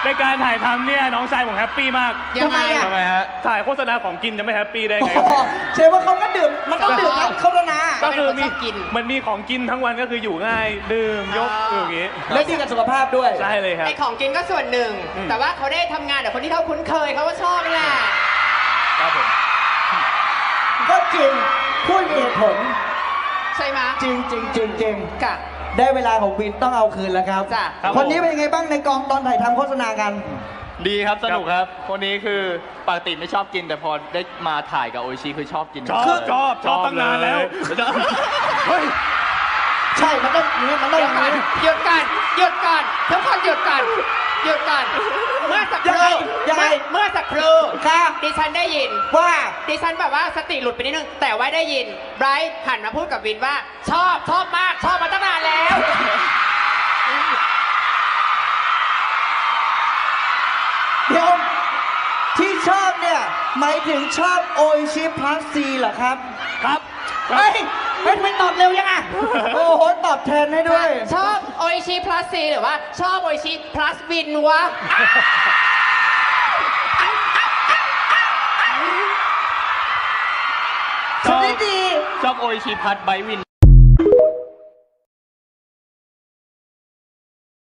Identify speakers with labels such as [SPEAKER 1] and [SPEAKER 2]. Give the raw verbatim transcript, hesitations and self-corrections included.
[SPEAKER 1] ในการถ่ายทำเนี่ยน้องชายผมแฮปปี้มาก
[SPEAKER 2] ยังไงอะ
[SPEAKER 1] ทำไมฮะถ่ายโฆษณาของกินจะไม่แฮปปี้ได้ไง
[SPEAKER 3] อ๋อเชฟว่าเขาก็ดื่มมันต้องดื่มนะโฆษณา
[SPEAKER 1] ก็คือมี
[SPEAKER 2] ชอบกิน
[SPEAKER 1] มันมีของกินทั้งวันก็คืออยู่ง่ายดื่มยกอยู่อย่างงี้
[SPEAKER 3] และดีกับสุขภาพด้วย
[SPEAKER 1] ใช่เลยครับ
[SPEAKER 2] ไอของกินก็ส่วนหนึ่ง
[SPEAKER 1] อืม
[SPEAKER 2] แต่ว่าเขาได้ทำงานกับคนที่เขาคุ้นเคยเขาก็ชอบนี่แหละ
[SPEAKER 1] ครับผม
[SPEAKER 3] ก็จริงพูดมีเหตุผล
[SPEAKER 2] ใช่ไหม
[SPEAKER 3] จริงจริงจริงจริง
[SPEAKER 2] กะ
[SPEAKER 3] ได้เวลาของวินต้องเอาคืนแล้วครับ
[SPEAKER 2] จ้ะ
[SPEAKER 1] ครับ
[SPEAKER 3] คนนี้เป็นยังไงบ้างในกองตอนถ่ายทำโฆษณากัน
[SPEAKER 4] ดีครับ สนุกครับ คนนี้คือปกติไม่ชอบกิน แต่พอได้มาถ่ายกับโออิชิคือชอบกิน
[SPEAKER 1] ชอบชอบชอบตั้งนานแล้วเฮ้ย
[SPEAKER 3] ใช่มันต้องอย่างนี้มันต้อง
[SPEAKER 2] เดี๋
[SPEAKER 3] อ
[SPEAKER 2] ยว
[SPEAKER 3] ย่าง
[SPEAKER 2] ก่อน
[SPEAKER 3] นี้
[SPEAKER 2] หยุดก่อนหยุดก่อนทุกคนหยุดก่อนหยุดก่อนเมื่อสักค
[SPEAKER 3] ยังไง
[SPEAKER 2] รู่
[SPEAKER 3] ยังไง
[SPEAKER 2] เมื่อสักครู่
[SPEAKER 3] ค่ะ
[SPEAKER 2] ดิฉันได้ยิน
[SPEAKER 3] ว่า
[SPEAKER 2] ดิฉันแบบว่าสติหลุดไปนิดนึง แต่ว่าได้ยินไบรท์หันมาพูดกับวินว่า ชอบชอบมาก ชอบมาตั้งนานแล้ว
[SPEAKER 3] เดี๋ยวที่ชอบเนี่ยหมายถึงชอบโอชิพลัสซีเหรอครับ
[SPEAKER 1] ครับ
[SPEAKER 3] เฮ้ยเฮ้ยทำไมตอบเร็วยังอ่ะ โอ้โห ตอบแทนให้ด้วย
[SPEAKER 2] ชอบโออิชิ plus C หรือว่าชอบโออิชิ plus วินวะ
[SPEAKER 3] ชนิดดี
[SPEAKER 4] ชอบโออิชิพัดไบวิน